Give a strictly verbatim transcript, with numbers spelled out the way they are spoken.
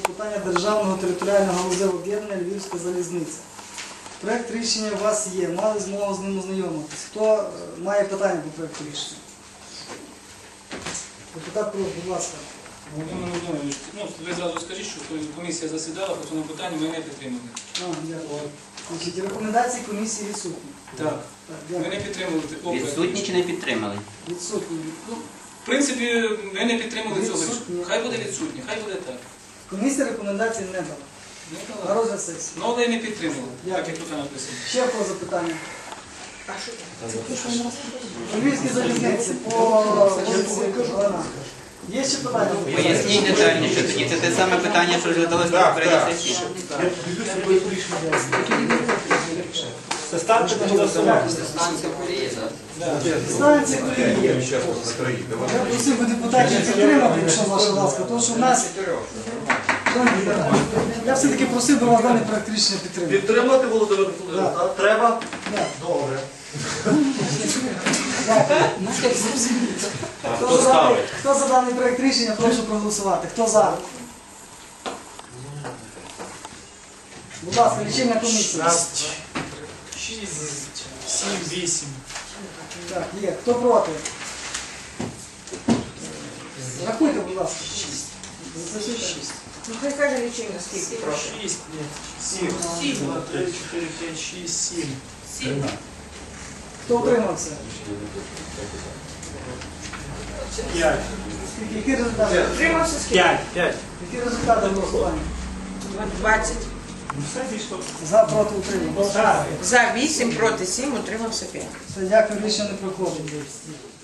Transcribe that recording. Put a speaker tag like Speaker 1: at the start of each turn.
Speaker 1: питання Державного територіального галузевого об'єднання Львівська залізниця. Проект рішення у вас є, мали змогу з ним ознайомитись. Хто е, має питання по проекту рішення? Депутат Кров, будь ласка.
Speaker 2: Володимир Володимирович, ну, ви зразу скажіть, що комісія засідала, по цьому питанню ми не підтримали.
Speaker 1: А, дякую. Значить, рекомендації комісії відсутні.
Speaker 2: Так.
Speaker 1: Так,
Speaker 2: Ми не підтримали такого проекту.
Speaker 3: Відсутні чи не підтримали?
Speaker 1: Відсутні. Ну,
Speaker 2: В принципі, ми не підтримали цього
Speaker 1: Відсутні.
Speaker 2: рішення. Хай буде відсутні, хай буде так.
Speaker 1: комісія рекомендацій не дала.
Speaker 2: Не
Speaker 1: На
Speaker 2: дала.
Speaker 1: розгляд сесії.
Speaker 2: Ну, але й не підтримали,
Speaker 1: Дякую.
Speaker 2: так як тут написано.
Speaker 1: Ще в кого запитання? Львівській залізниці по вулиці Галина. Є ще питання?
Speaker 3: Поясніть детальніше, тоді це те саме питання, що розглядалося на попередній сесії.
Speaker 4: Ставте на голосування.
Speaker 1: Станція колії. Я просив би депутатів підтримати, якщо ваша ласка, тому що в нас... Я все-таки просив би вас даний проект рішення підтримати.
Speaker 4: Підтримати, Володимир Володимирович, так? Треба?
Speaker 1: Так.
Speaker 4: Добре.
Speaker 1: Хто за даний- Хто за даний проект рішення, прошу проголосувати. Хто за? Будь ласка, лічильна комісія.
Speaker 4: Шість, сім, вісім.
Speaker 1: Так, є. Хто проти? Рахуйте, будь ласка. Запишіть. Шість.
Speaker 5: Ну, хай каже лічильно скільки, прошу.
Speaker 4: Шість, ні. Сім.
Speaker 5: Сім.
Speaker 4: Два, три, чотири, п'ять, шість, сім.
Speaker 5: Сім.
Speaker 1: Хто утримався?
Speaker 4: П'ять.
Speaker 1: Скільки? Які результати?
Speaker 5: Утримався скільки?
Speaker 4: П'ять. П'ять.
Speaker 1: Які результати голосування?
Speaker 5: двадцять.
Speaker 4: Все пішло.
Speaker 1: За, проти, утримався.
Speaker 4: Так.
Speaker 5: За вісім, проти сім, утримався п'ять.
Speaker 1: Все, дякую, рішення не проходить.